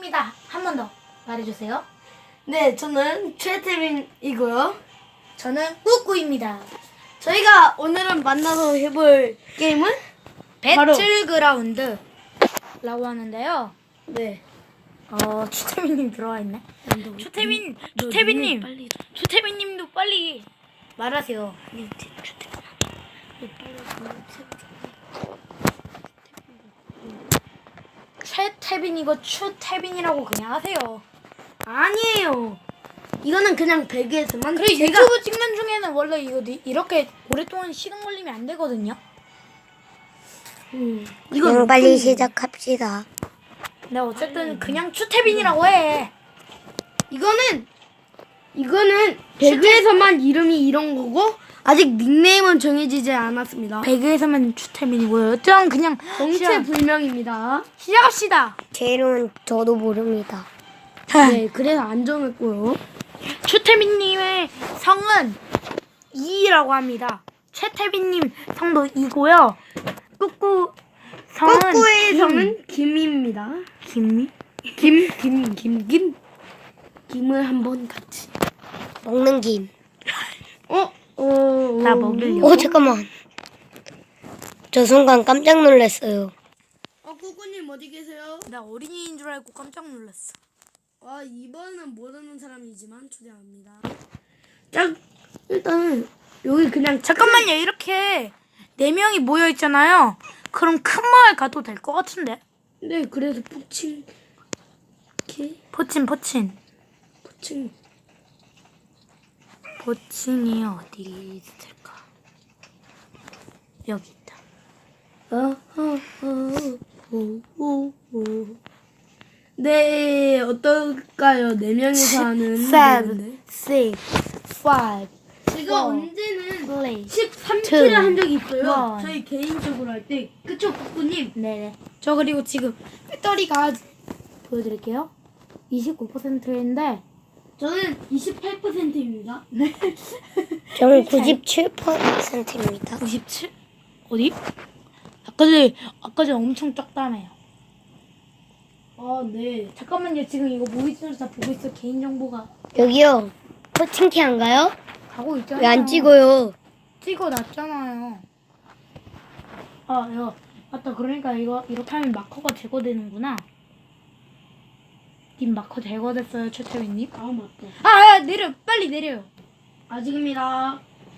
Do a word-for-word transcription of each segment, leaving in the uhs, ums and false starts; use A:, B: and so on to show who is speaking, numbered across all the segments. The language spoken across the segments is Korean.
A: 입니다. 한 번 더 말해주세요.
B: 네, 저는 최태민이고요.
A: 저는 꾸꾸입니다.
B: 저희가 오늘은 만나서 해볼 게임은 바로
A: 배틀그라운드라고 하는데요.
B: 네.
A: 어, 추태민님 들어와 있네. 추태민, 추태민님,
B: 빨리
A: 추태민님도 빨리 말하세요. 최태빈이고 추태빈이라고 그냥 하세요.
B: 아니에요. 이거는 그냥 배그에서만.
A: 그리고
B: 제가
A: 유튜브 찍는 중에는 원래 이거 니- 이렇게 오랫동안 시간 걸리면 안 되거든요.
B: 음,
C: 그냥
B: 이건
C: 빨리 시작합시다.
A: 근데 어쨌든 그냥 추태빈이라고 해.
B: 이거는 이거는 배그에서만 이름이 이런 거고 아직 닉네임은 정해지지 않았습니다.
A: 배그에서만 추태빈이고요. 어쨌든 그냥
B: 정체불명입니다.
A: 시작합시다.
C: 제 이름은 저도 모릅니다.
B: 네, 그래서 안 정했고요.
A: 추태빈님의 성은 이라고 합니다. 최태빈님 성도 이고요. 꾸꾸 성은
B: 꾸꾸의
A: 김.
B: 성은 김입니다.
A: 김미?
B: 김, 김, 김, 김. 김을 한번 같이.
C: 먹는 김.
B: 어, 어,
A: 나
B: 어.
A: 먹으려고.
C: 오 잠깐만. 저 순간 깜짝 놀랐어요.
B: 어, 꾸꾸님 어디 계세요?
A: 나 어린이인 줄 알고 깜짝 놀랐어.
B: 아, 이번은 모르는 사람이지만 초대합니다. 자, 일단은 여기 그냥
A: 잠깐만요. 이렇게 네 명이 모여 있잖아요. 그럼 큰 마을 가도 될 것 같은데.
B: 네, 그래서 포칭 키
A: 포친 포친.
B: 포칭
A: 포친이 어디 있을까? 여기 있다.
B: 어허허호호호. 네, 어떨까요? 네 명이서 하는
A: seven,
B: 대회인데.
A: six, five,
B: 제가
A: four,
B: 언제는
A: three.
B: 십삼 킬을
A: two,
B: 한 적이 있어요.
A: one.
B: 저희 개인적으로 할 때. 그쵸, 국구님?
A: 네네. 저 그리고 지금 배터리가 보여드릴게요. 이십구 퍼센트인데
B: 저는 이십팔 퍼센트입니다.
C: 저는 구십칠 퍼센트입니다.
A: 구십칠? 어디? 아까 전에 아까 전에 엄청 적다며요.
B: 아, 네.
A: 잠깐만요. 지금 이거 모의고사 다 보고 있어. 개인 정보가
C: 여기요. 포칭키 안 가요?
A: 가고 있잖아요.
C: 왜 안 찍어요?
A: 찍어놨잖아요. 아, 야, 맞다. 그러니까 이거 이렇게 하면 마커가 제거되는구나. 님 마커 제거됐어요, 최태민님?
B: 아, 맞다.
A: 아, 아, 내려, 빨리 내려요.
B: 아직입니다.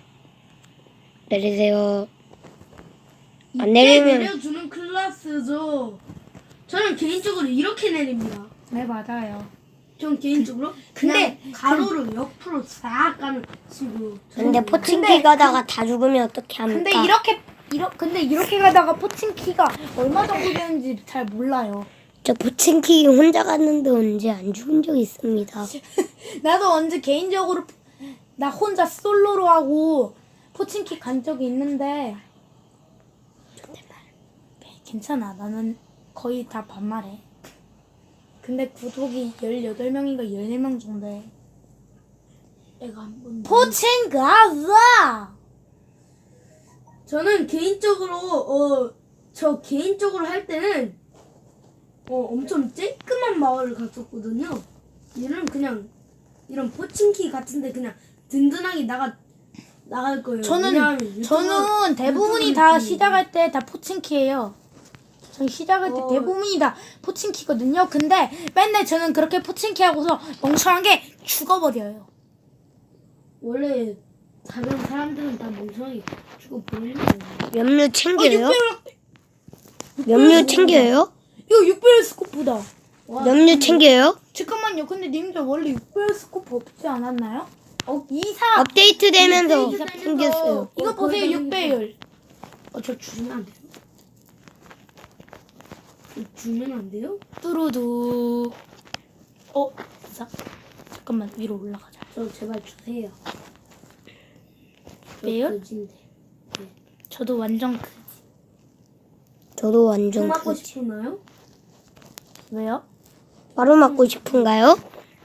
C: 내리세요. 안
B: 이때
C: 내리면
B: 내려주는 클래스죠. 저는 개인적으로 이렇게 내립니다.
A: 네, 맞아요.
B: 전 개인적으로
A: 근데
B: 그냥 가로로 옆으로 싹 가는 식으로.
C: 근데
B: 저는
C: 포칭키
A: 근데
C: 가다가 다 죽으면 어떻게 합니까?
A: 근데 이렇게 이러, 근데 이렇게 가다가 포칭 키가 얼마 정도 되는지 잘 몰라요.
C: 저 포칭키 혼자 갔는데 언제 안 죽은 적 있습니다.
A: 나도 언제 개인적으로 나 혼자 솔로로 하고 포칭키 간 적이 있는데 괜찮아. 나는 거의 다 반말해. 근데 구독이 열여덟 명인가 열네 명 정도 해.
B: 애가 한 번.
A: 포칭 가자!
B: 저는 개인적으로 어 저 개인적으로 할 때는 어 엄청 쬐끄만 마을을 갔었거든요. 얘는 그냥 이런 포칭키 같은데 그냥 든든하게 나가 나갈 거예요.
A: 저는
B: 왜냐하면 유튜브-
A: 저는 대부분이
B: 유튜브
A: 다
B: 느낌이에요.
A: 시작할 때 다 포칭키예요. 저는 시작할 때
B: 어.
A: 대부분이 다 포칭키거든요. 근데 맨날 저는 그렇게 포칭키 하고서 멍청하게 죽어버려요.
B: 원래 다른 사람들은 다 멍청하게 죽어 버리는 거예요.
C: 염료 챙겨요?
A: 육배율
C: 염료 챙겨요?
A: 이거 육배율 스코프다.
B: 와,
C: 염료 챙겨요?
A: 잠깐만요. 근데 님들 원래 육배율 스코프 없지 않았나요? 어, 이사
C: 업데이트 되면서
B: 업데이트 되면서
C: 생겼어요.
A: 이거
B: 어,
A: 보세요.
B: 거의
A: 육배율.
B: 어, 저 주면 안 돼요? 저 주면 안 돼요?
A: 뚜루두. 어, 이사. 잠깐만 위로 올라가자.
B: 저 제발 주세요. 저
A: 배율?
B: 거진데.
A: 저도 완전 크.
C: 저도 완전
B: 총 맞고
C: 그
B: 싶으나요?
A: 왜요?
C: 바로 맞고 싶은가요?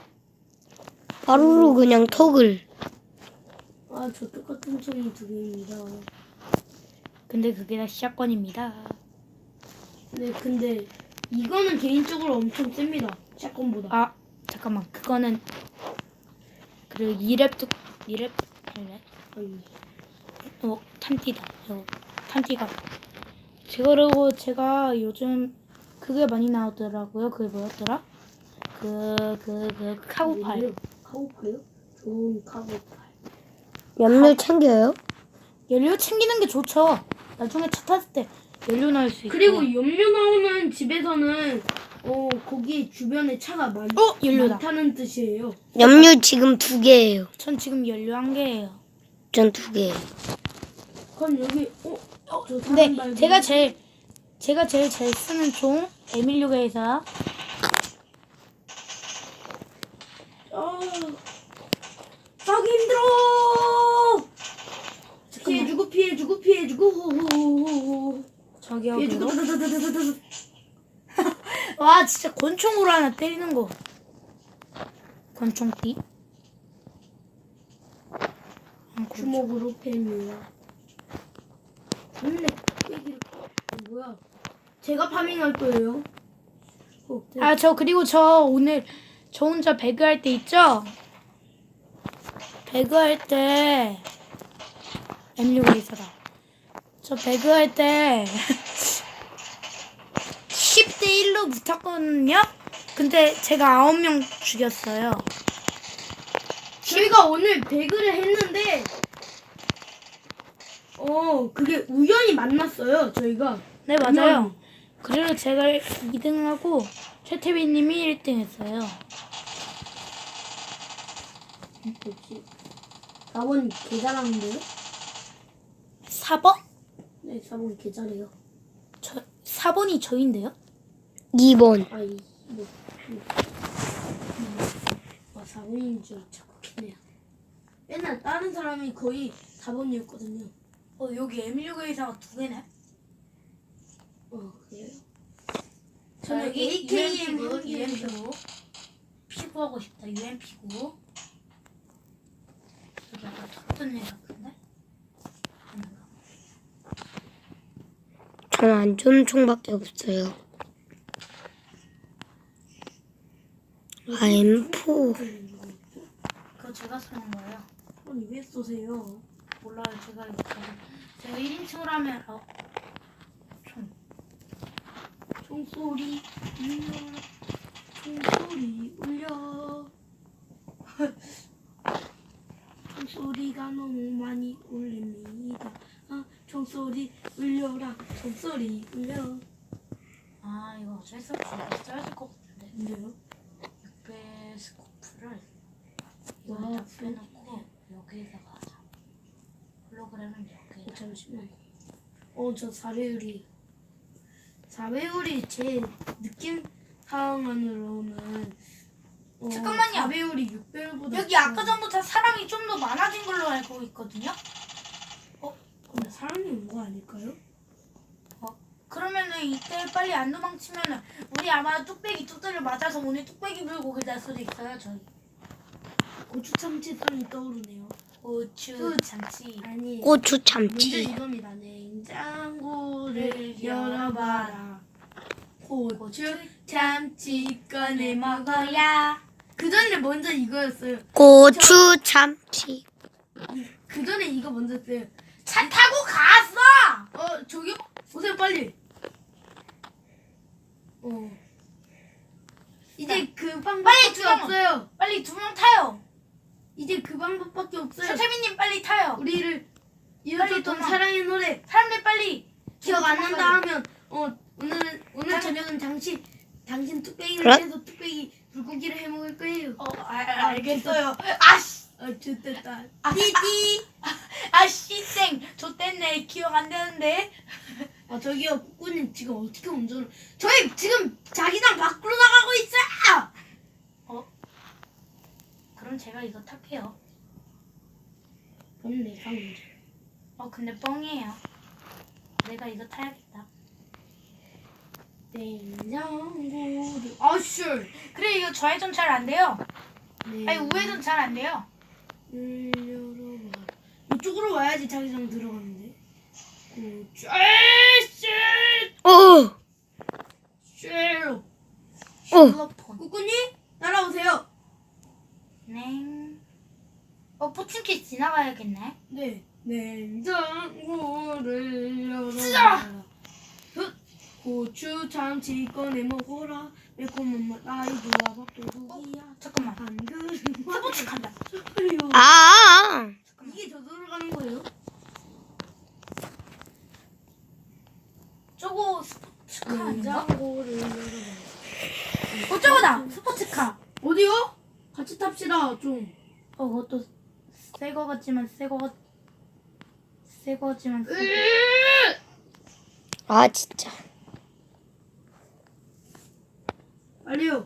C: 바로로 그냥 턱을.
B: 아, 저 똑같은 총이 두 개입니다.
A: 근데 그게 다 시작권입니다.
B: 네, 근데 이거는 개인적으로 엄청 셉니다. 샷건보다.
A: 아 잠깐만 그거는 그 이랩 뚝 이랩 아니네.
B: 아니,
A: 어 탄띠다. 이거 탄띠가. 그리고 제가 요즘 그게 많이 나오더라고요. 그게 뭐였더라? 그 그 그 카고팔.
B: 뭐예요? 카고파요? 좋은 카고팔.
C: 염료 챙겨요?
A: 연료 챙기는 게 좋죠. 나중에 차 탔을 때 연료 넣을 수 있고.
B: 그리고 염료 나오는 집에서는 어 거기 주변에 차가 많,
A: 어 연료다.
B: 많다는 뜻이에요.
C: 염료 지금 두 개예요.
A: 전 지금 연료 한 개예요.
C: 전 두 개예요.
B: 그럼 여기 어? 어, 저
A: 근데
B: 사람 말고
A: 제가 제일 제가 제일 잘 쓰는 총 에밀리오게이사.
B: 아 싸기 힘들어. 피해주고 피해주고 피해주고 호호호호
A: 저기요.
B: 피해주고
A: 그리고-
B: 드드드드드드.
A: 와 진짜 권총으로 하나 때리는 거. 권총띠. 아, 권총.
B: 주먹으로 팹니다. 근데 얘기를 어, 뭐야? 제가 파밍할 거예요. 어, 네.
A: 아 저 그리고 저 오늘 저 혼자 배그 할 때 있죠? 배그 할 때 에밀리오게이사다. 저 배그 할 때 십 대 일로 붙었거든요? 근데 제가 아홉 명 죽였어요.
B: 저희가 오늘 배그를 했는데 어 그게 우연히 만났어요. 저희가.
A: 네 맞아요. 그리고 제가 이 등하고 최태빈님이 일 등 했어요.
B: 뭐지? 사 번 개 잘하는데요?
A: 사 번?
B: 네, 사 번 개 잘해요.
A: 저 사 번이 저인데요?
C: 이 번.
B: 아이 뭐. 음. 아, 사 번인 줄 착각했네요. 맨날 다른 사람이 거의 사 번이었거든요.
A: 어 여기 에밀리오게이사가 두 개네.
B: 어 그래요?
A: 저는
B: 저는
A: 에이케이엠
B: 에이케이엠
A: 고
B: 한 개예요.
A: 유엠피고 피구 하고 싶다. 유엠피고 여기 약간 톱던 애 같은데? 아닌가?
C: 전 안 좋은 총밖에 없어요. 아, 엠 사.
A: 그거 제가 쓰는 거예요.
B: 아니 왜 쏘세요?
A: 몰라요. 제가 이거 가지고 제가 일 인칭으로 하면 어 총.
B: 총소리 울려. 총소리 울려. 총소리가 너무 많이 울립니다. 아, 총소리 울려라. 총소리 울려.
A: 아 이거 어쩔 수 없이 이거 써야 될 것 같은데.
B: 근데요?
A: 육 배 스코프를
B: 와,
A: 이거에다 빼놓고 여기에다가 하자. 홀로그램은 여기에다.
B: 어, 잠시만. 어, 저 사 배율이. 사 배율이 제 느낌 상황으로는. 어,
A: 잠깐만요.
B: 사 배율이 육 배율보다.
A: 여기 아까 전부터 사람이 좀 더 많아진 걸로 알고 있거든요.
B: 근데 사람이 온 거 아닐까요?
A: 그러면은 이때 빨리 안 도망치면은 우리 아마 뚝배기 뚝배기를 맞아서 오늘 뚝배기 불고기 날 수도 있어요. 저희
B: 고추 참치성이 떠오르네요.
A: 고추 참치.
B: 아니.
C: 고추
B: 문제
C: 참치.
B: 이겁니다. 냉장고를 열어봐라. 고추 참치 꺼내 먹어야. 그 전에 먼저 이거였어요.
C: 고추 참치.
B: 그 전에 이거 먼저 했어요.
A: 차 타고 갔어.
B: 어 저기 보세요 빨리. 어. 이제 그
A: 빨리
B: 방법밖에
A: 주워.
B: 없어요.
A: 빨리 두 명 타요.
B: 이제 그 방법밖에 없어요.
A: 최태민님 빨리 타요.
B: 우리를
A: 빨리
B: 이어줬던
A: 도망.
B: 사랑의 노래
A: 사람들 빨리
B: 기억 안 난다
A: 도망가요.
B: 하면 어 오늘은 오늘
A: 당-
B: 저녁은 당신 당신 뚝배기를
C: 그래?
B: 해서 뚝배기 불고기를 해 먹을 거예요.
A: 어 아, 알겠어요. 아씨
B: 아 좋됐다.
A: 아,
B: 띠띠.
A: 아씨 땡 좆됐네. 기억 안 되는데.
B: 아 저기요 꾸꾸님 지금 어떻게 운전을? 저희 지금 자기장 밖으로 나가고 있어요.
A: 그럼 제가 이거 탈게요.
B: 그럼 내가 운전.
A: 어 근데 뻥이에요. 내가 이거 타야겠다.
B: 냉장고를 아슈.
A: 그래 이거 좌회전 잘 안 돼요.
B: 네.
A: 아니 우회전 잘 안 돼요.
B: 열어봐. 이쪽으로 와야지 자기장 들어가는데. 고추. 아씨.
C: 어!
B: 쉐로.
A: 실로폰.
B: 꾸꾸님 따라오세요.
A: 네. 어, 포칭키 지나가야겠네.
B: 네. 냉장고를
A: 쓰자!
B: 열어라. 고추 참치 꺼내 먹어라. 매콤한 맛 아이들아 밥도둑이야.
A: 잠깐만.
B: 한 그릇
A: 스포츠 간다.
B: 소리요.
C: 아,
B: 이게 저절로 가는 거예요?
A: 저거 스포츠카 아닌가?
B: 냉장고를 열어라.
A: 어, 저거다. 스포츠카.
B: 어디요? 같이 탑시다 좀.
A: 어, 그것도 새 거 같지만 새 거 같... 새 거지만 새 거.
C: 아 진짜.
B: 빨리요.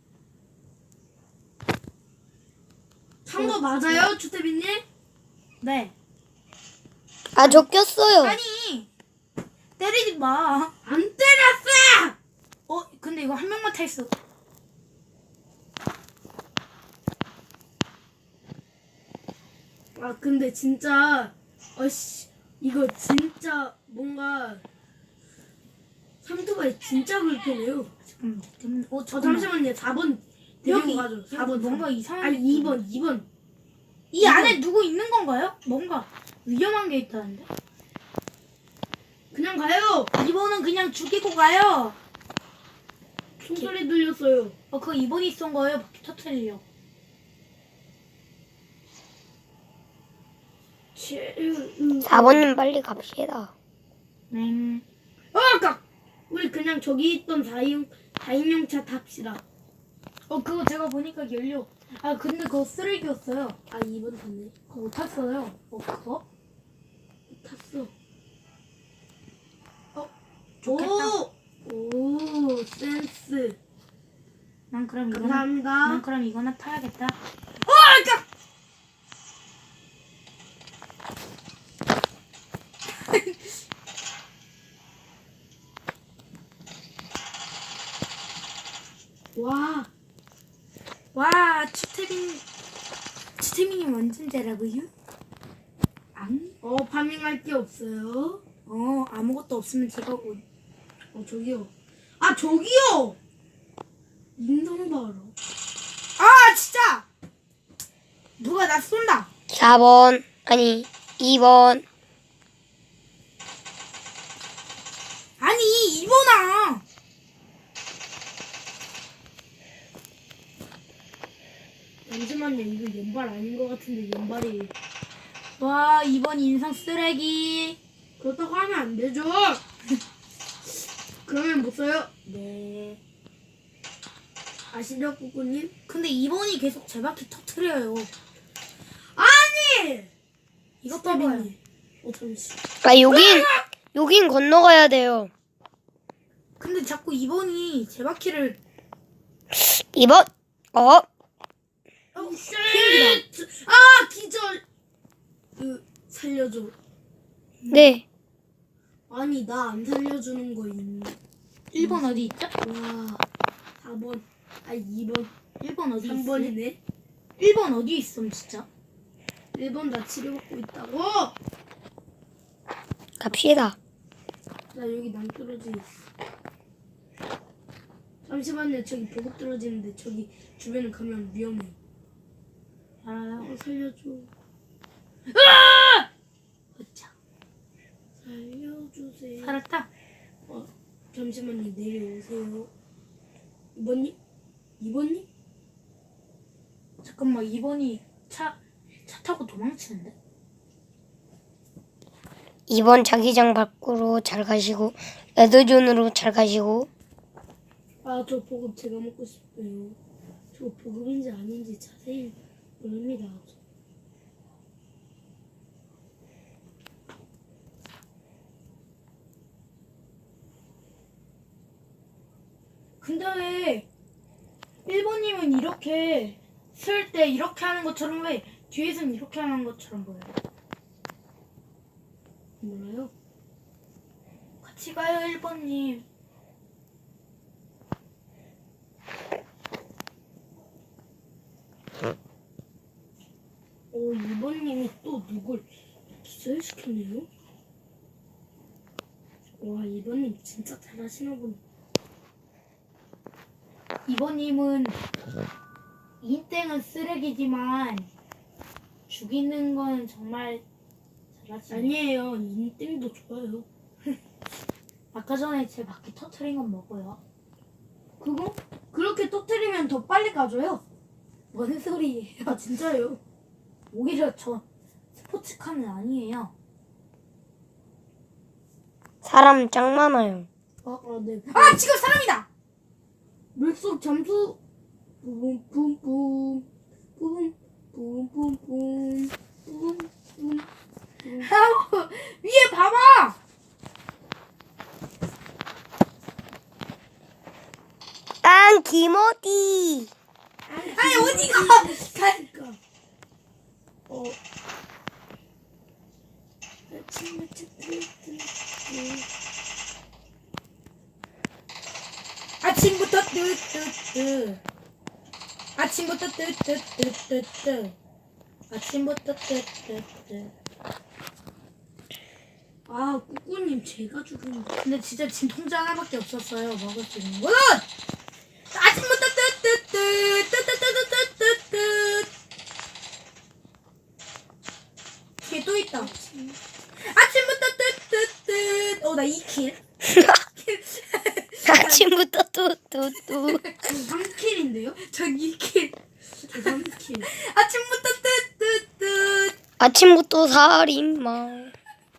B: 탄 거 맞아요, 주태빈님?
A: 네.
C: 아 저 꼈어요.
A: 아니 때리지 마.
B: 안 때렸어!
A: 어, 근데 이거 한 명만 탈 수.
B: 아 근데 진짜 어씨 이거 진짜 뭔가 삼토바이 진짜 불편해요.
A: 잠깐만. 때문에- 어,
B: 저
A: 잠깐만.
B: 잠시만요. 사 번
A: 여기
B: 데리고 가죠. 사 번
A: 뭔가 이상한
B: 아니
A: 느낌.
B: 이 번 이 번
A: 이 안에 누구 있는 건가요? 뭔가 위험한 게 있다는데.
B: 그냥 가요.
A: 이번은 그냥 죽이고 가요.
B: 총소리 들렸어요.
A: 어, 그거 이번이 쏜 거예요. 바퀴 터트리려고.
B: 치- 음.
C: 사 번님 빨리 갑시다.
A: 네.
B: 어, 아까 우리 그냥 저기 있던 사인 사인용차 탑시다.
A: 어, 그거 제가 보니까 연료. 아, 근데 그거 쓰레기였어요.
B: 아 이 번 탔네.
A: 그거 못 탔어요. 어, 그거?
B: 탔어.
A: 좋겠다.
B: 오, 오 센스.
A: 난 그럼 이거나.
B: 감사합니다.
A: 난 그럼 이거나 타야겠다.
B: 어, 아까 와,
A: 와, 추태빈. 추태빈이 완전 잘하고요. 안?
B: 어 파밍할 게 없어요.
A: 어, 아무것도 없으면 제가 오.
B: 어 저기요. 아 저기요. 인성 봐라.
A: 아, 진짜! 누가 나 쏜다.
C: 사 번 아니 이 번.
A: 아니, 이번아.
B: 잠시만요. 이거 연발 아닌 것 같은데 연발이.
A: 와, 이번 인상 쓰레기.
B: 그렇다고 하면 안 되죠. 그러면 못 써요.
A: 네.
B: 아시죠, 꾸꾸님?
A: 근데 이번이 계속 제 바퀴 터트려요.
B: 아니!
A: 이것 봐봐요.
B: 어, 잠시.
C: 아 여긴 여긴 건너가야 돼요.
A: 근데 자꾸 이번이 제 바퀴를.
C: 이 번. 어?
B: 어, 쉣! 아, 기절! 그, 살려줘.
C: 네.
B: 아니, 나 안 살려주는 거 있니?
A: 일 번 어디 있죠?
B: 와, 사 번. 아, 이 번.
A: 일 번 어디
B: 삼
A: 있어?
B: 번이네.
A: 일 번 어디 있어, 진짜?
B: 일 번 나 치료받고 있다고?
C: 갑시다.
B: 나 여기 남 떨어져 있어. 잠시만요. 저기 보급 떨어지는데 저기 주변에 가면 위험해.
A: 알아요.
B: 어, 살려줘.
A: 으차.
B: 살려주세요.
A: 살았다.
B: 어, 잠시만요. 내려오세요. 이번님? 이번님?
A: 잠깐만, 이번이 차, 차 타고 도망치는데?
C: 이 번 자기장 밖으로 잘 가시고 레드존으로 잘 가시고.
B: 아, 저 보급 제가 먹고 싶어요. 저 보급인지 아닌지 자세히 모릅니다.
A: 근데 왜 일 번님은 이렇게 쓸 때 이렇게 하는 것처럼 왜 뒤에서는 이렇게 하는 것처럼 보여요?
B: 몰라요?
A: 같이 가요, 일 번님.
B: 어, 이번님이 또 누굴 기절시켰네요? 와, 이번님 진짜 잘하시나 보네.
A: 이번님은 인땡은 쓰레기지만 죽이는 건 정말 잘하시네.
B: 아니에요. 인땡도 좋아요.
A: 아까 전에 제 바퀴 터트린 건 먹어요.
B: 그거? 그렇게 터트리면 더 빨리 가져요.
A: 뭔 소리예요?
B: 아 진짜요?
A: 오히려 저 스포츠카는 아니에요.
C: 사람 짱 많아요.
B: 아, 아 네.
A: 아 지금 사람이다.
B: 물속 잠수. 뿜뿜뿜. 뿜뿜뿜뿜. 뿜뿜.
A: 아우, 위에 봐봐.
C: 난 김어디.
A: 아니 어디가?
B: 가니까. 어.
A: 아침부터 뜨뜨뜨. 아침부터 뜨뜨뜨뜨뜨. 아침부터 뜨뜨뜨.
B: 아 꾸꾸님 제가 죽은 거.
A: 근데 진짜 진통제 하나밖에 없었어요. 먹을 수 있는 건. 아침부터 뜨뜨뜨 뜨뜨뜨뜨뜨뜨. 뒤에 또 있다. 아침부터 뜨뜨뜨. 어나 이 킬.
C: 아침부터 뚜뚜뚜.
B: 삼 킬인데요?
A: 전 이 킬.
B: 저 삼 킬.
A: 아침부터 뜨뜨뜨.
C: 아침부터 살인마.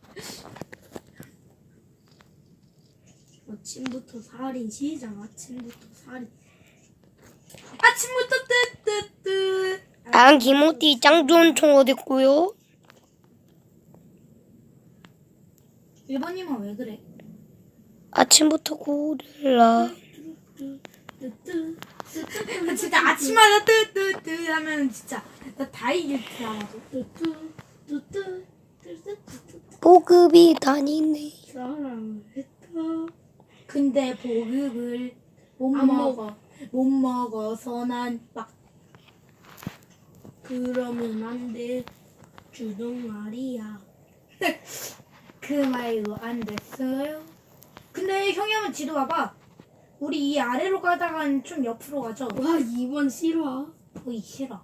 B: 아침부터 살인 시작. 아침부터 살인.
A: 아침부터 뜨뜨뜨.
C: 난 김어디 짱 좋은 총 어딨고요?
A: 일본님은 왜 그래?
C: 아침부터 고릴라.
B: 뜨뜨.
A: 나 진짜 아침마다 뜨뜨뜨 하면 진짜 나 다 이길 줄 알아서.
B: 뜨뜨. 뜨뜨. 뜨뜨.
C: 보급이 다니네.
B: 사랑했다.
A: 근데 보급을 못
B: 안
A: 먹어. 못 먹어서 난 막.
B: 그러면 안 돼. 주둥아리야.
A: 그 말도 안 됐어요. 근데 형이 한번 지도 봐봐. 우리 이 아래로 가다간 좀 옆으로 가죠.
B: 와 이번 실화.
A: 보기 싫어.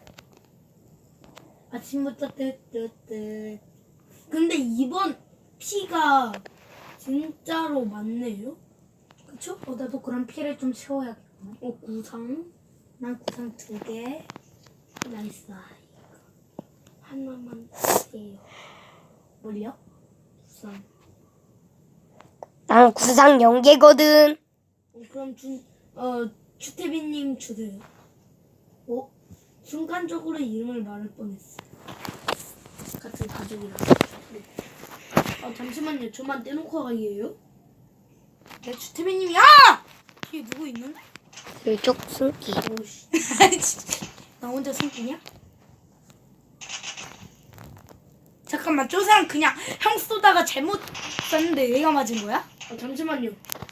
A: 아침부터 뜨뜨뜨.
B: 근데 이번 피가 진짜로 많네요.
A: 그쵸? 어, 나도 그런 피를 좀 채워야겠구나.
B: 어 구상.
A: 난 구상 두 개.
B: 나이스. 하나만 주세요.
A: 뭘요?
B: 구상.
C: 난 구상 연계거든.
B: 어, 그럼 준, 어, 추태빈님 주세요. 어? 순간적으로 이름을 말할 뻔했어. 같은 가족이라. 아, 잠시만요. 저만 떼놓고 가기예요?
A: 내 주태민님이 야! 뒤에 누구 있는데?
C: 슬쩍 숨기.
B: 오씨.
A: 아니 진짜. 나 혼자 숨기냐? 잠깐만 저 사람 그냥 형 쏘다가 잘못 쐈는데 얘가 맞은 거야?
B: 아, 잠시만요.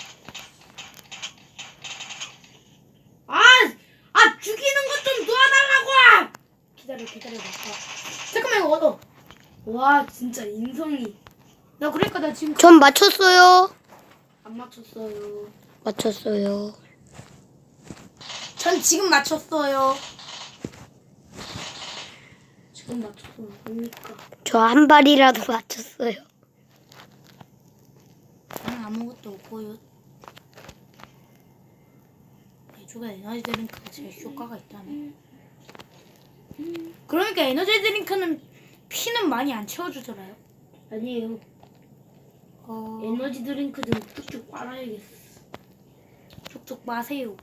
B: 아! 아, 죽이는 것 좀 도와달라고! 기다려, 기다려봐. 아,
A: 잠깐만 이거 얻어.
B: 와, 진짜 인성이
A: 나 그러니까 나 지금
C: 전 맞췄어요.
B: 안 맞췄어요.
C: 맞췄어요.
A: 전 지금 맞췄어요.
B: 지금 맞췄어. 뭡니까?
C: 저 한 발이라도 맞췄어요.
A: 난 아무것도 없고요. 내주가 에너지 드링크가 제일 효과가 있다네. 그러니까 에너지 드링크는 피는 많이 안 채워주더라요.
B: 아니에요.
A: 어,
B: 에너지 드링크 좀 쭉쭉 빨아야겠어.
A: 쪽쪽 마세요.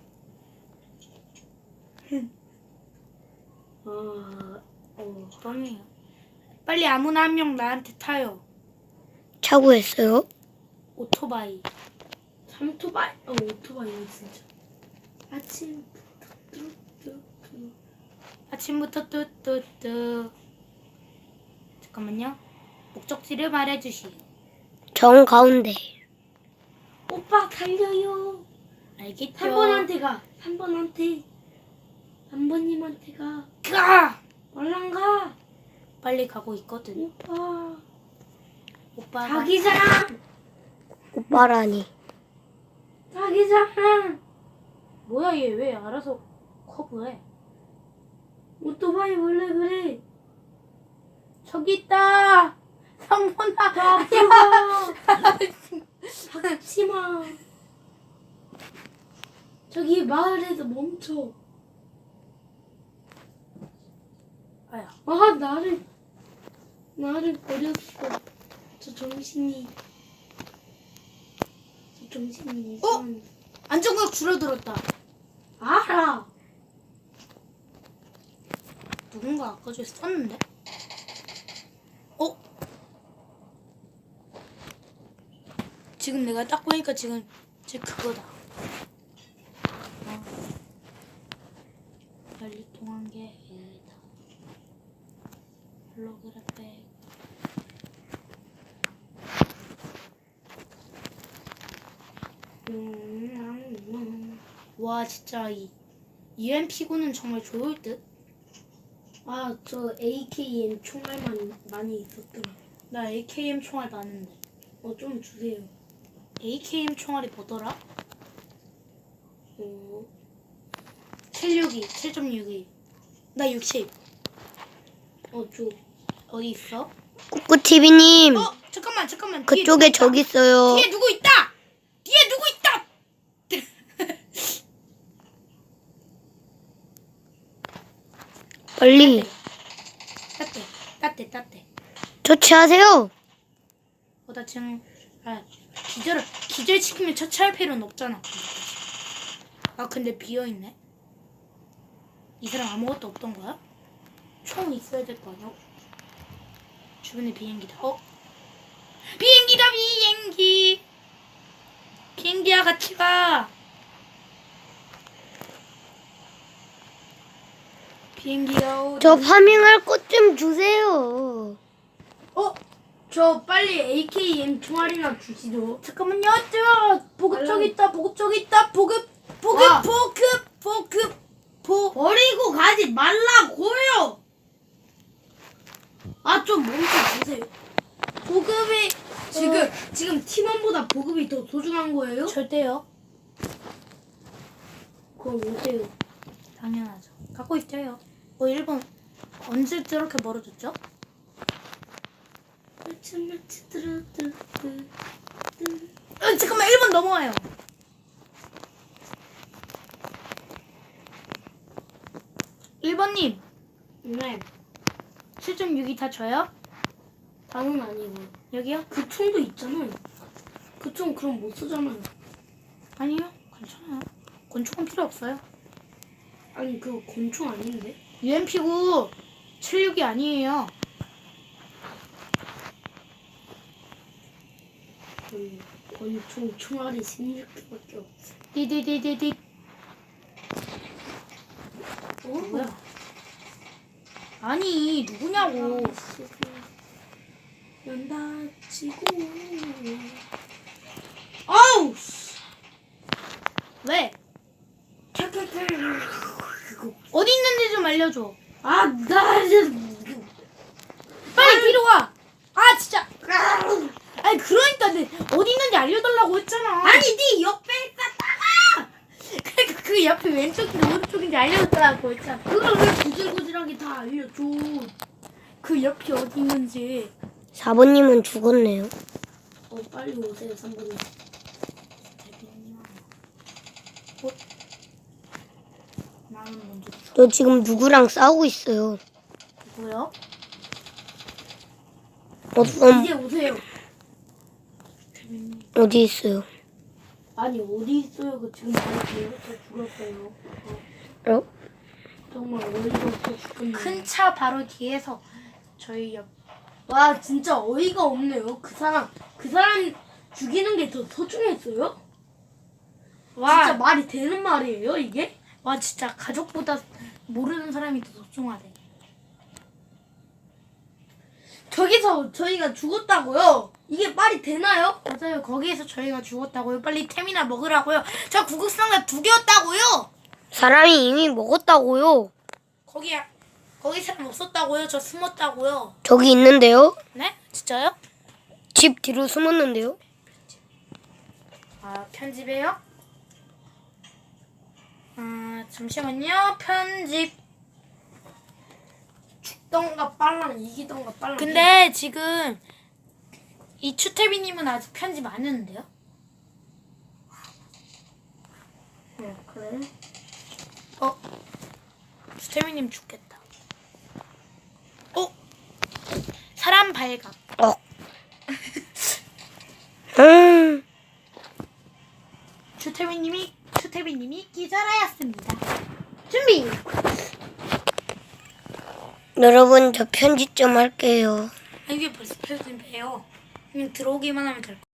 B: 아, 어.
A: 그럼요. 빨리 아무나 한 명 나한테 타요.
C: 차고했어요.
A: 오토바이.
B: 삼토바이? 어, 오토바이네, 진짜. 아침부터 뚜뚜뚜.
A: 아침부터 뚜뚜뚜. 잠깐만요. 목적지를 말해주시.
C: 정 가운데.
B: 오빠 달려요.
A: 알겠죠?
B: 삼 번한테 가. 삼 번한테. 삼 번님한테 가.
A: 가!
B: 얼른 가.
A: 빨리 가고 있거든.
B: 오빠.
A: 오빠가
B: 자기장.
C: 오빠라니.
B: 자기장.
A: 뭐야 얘 왜 알아서 커브해?
B: 오토바이 원래 그래.
A: 저기 있다. 성문아.
B: 박지마. 저기 마을에서 멈춰.
A: 아야.
B: 아 나를 나를 버렸어. 저 정신이 저 정신이
A: 어?
B: 이상한.
A: 안정각 줄어들었다.
B: 알아.
A: 누군가 아까 전에 썼는데? 어? 지금 내가 딱 보니까 지금 제 그거다. 어. 빨리 통한 게 얘다. 홀로그램 백.
B: 음,
A: 와 진짜 이 유엠피구는 정말 좋을 듯.
B: 아, 저 에이케이엠 총알만 많이 있었더라.
A: 나 에이케이엠 총알 많은데.
B: 어, 좀 주세요.
A: 에이케이엠 총알이 뭐더라?
B: 어,
A: 칠백육십이, 칠 점 육이. 나 육십.
B: 어, 줘.
A: 어디 있어?
C: 꾸꾸티비님,
A: 어 잠깐만 잠깐만. 뒤에
C: 그쪽에
A: 누구
C: 저기 있어요.
A: 뒤에 누구 있다! 뒤에 누구 있다!
C: 빨리
A: 따뜻해, 따뜻해, 따뜻해.
C: 처치하세요.
A: 어, 나 지금, 아, 기절, 기절시키면 처치할 필요는 없잖아. 아, 근데 비어있네? 이 사람 아무것도 없던 거야? 총 있어야 될 거 아니야? 주변에 비행기다. 어? 비행기다, 비행기! 비행기야, 같이 가! 비행기야, 오.
C: 저 파밍할 것 좀 주세요.
B: 어, 저 빨리 에이케이엠 총알이나 주시죠.
A: 잠깐만요, 저 보급 저기 있다, 보급 저기 있다, 보급, 보급,
B: 아.
A: 보급, 보급, 보.
B: 버리고 가지 말라고요. 아, 좀 멈춰 주세요. 보급이 지금 지금 팀원보다 보급이 더 소중한 거예요?
A: 절대요.
B: 그럼 어때요?
A: 당연하죠. 갖고 있어요. 어, 일본 언제 저렇게 멀어졌죠? 어, 잠깐만, 일본 넘어와요. 일 번님,
B: 네,
A: 칠 점 육이 다 줘요?
B: 다는 아니고
A: 여기요?
B: 그 총도 있잖아요. 그 총 그럼 못 쓰잖아요.
A: 아니요, 괜찮아요. 권총은 필요 없어요.
B: 아니 그거 권총 아닌데?
A: 유엠피구 칠십육이 아니에요.
B: 음, 권총 총알이 십육 개밖에 없어.
A: 디디디디디.
B: 어?
A: 뭐야? 아니, 누구냐고.
B: 연다치고 아우 씨.
A: 왜?
B: 캬캬캬. 그거
A: 어디 있는지 좀 알려줘.
B: 아나 이제
A: 빨리 뒤로 와. 아, 진짜. 아니, 그러니까 내 어디 있는지 알려달라고 했잖아.
B: 아니 네 옆에 있었다가
A: 그러니까 그 옆에 왼쪽인지 오른쪽인지 알려달라고 했잖아.
B: 그걸 왜 구질구질하게 다 알려줘.
A: 그 옆이 어디 있는지.
C: 사 번님은 죽었네요.
B: 어 빨리 오세요 삼 번님.
A: 어? 나는 먼저
C: 저 지금 누구랑 싸우고 있어요.
A: 누구요?
C: 어떤
B: 이제 오세요.
C: 어디 있어요?
B: 아니 어디 있어요? 그 지금 말해요. 저 죽었어요. 어,
C: 어?
B: 정말 어이가 없어 죽겠네.
A: 큰 차 바로 뒤에서 저희 옆.
B: 와 진짜 어이가 없네요. 그 사람 그 사람 죽이는 게 더 소중했어요?
A: 와,
B: 진짜 말이 되는 말이에요 이게?
A: 와 진짜 가족보다 모르는 사람이 더 소중하대.
B: 저기서 저희가 죽었다고요? 이게 말이 되나요?
A: 맞아요. 거기에서 저희가 죽었다고요. 빨리 템이나 먹으라고요. 저 구급상자 두 개였다고요.
C: 사람이 이미 먹었다고요.
A: 거기야. 거기 사람 없었다고요. 저 숨었다고요.
C: 저기 있는데요.
A: 네? 진짜요?
C: 집 뒤로 숨었는데요.
A: 아, 편집해요? 아 잠시만요. 편집.
B: 죽던가 빨랑 이기던가 빨랑.
A: 근데 지금 이 추태비님은 아직 편집 안 했는데요?
B: 어, 그래?
A: 어? 추태비님 죽겠다. 어? 사람 발각.
C: 어. 음.
A: 추태비님이 추태비님이 기절하였습니다. 준비.
C: 여러분 저 편집 좀 할게요.
A: 아, 이게 벌써 편집해요. 그냥 들어오기만 하면 될 거.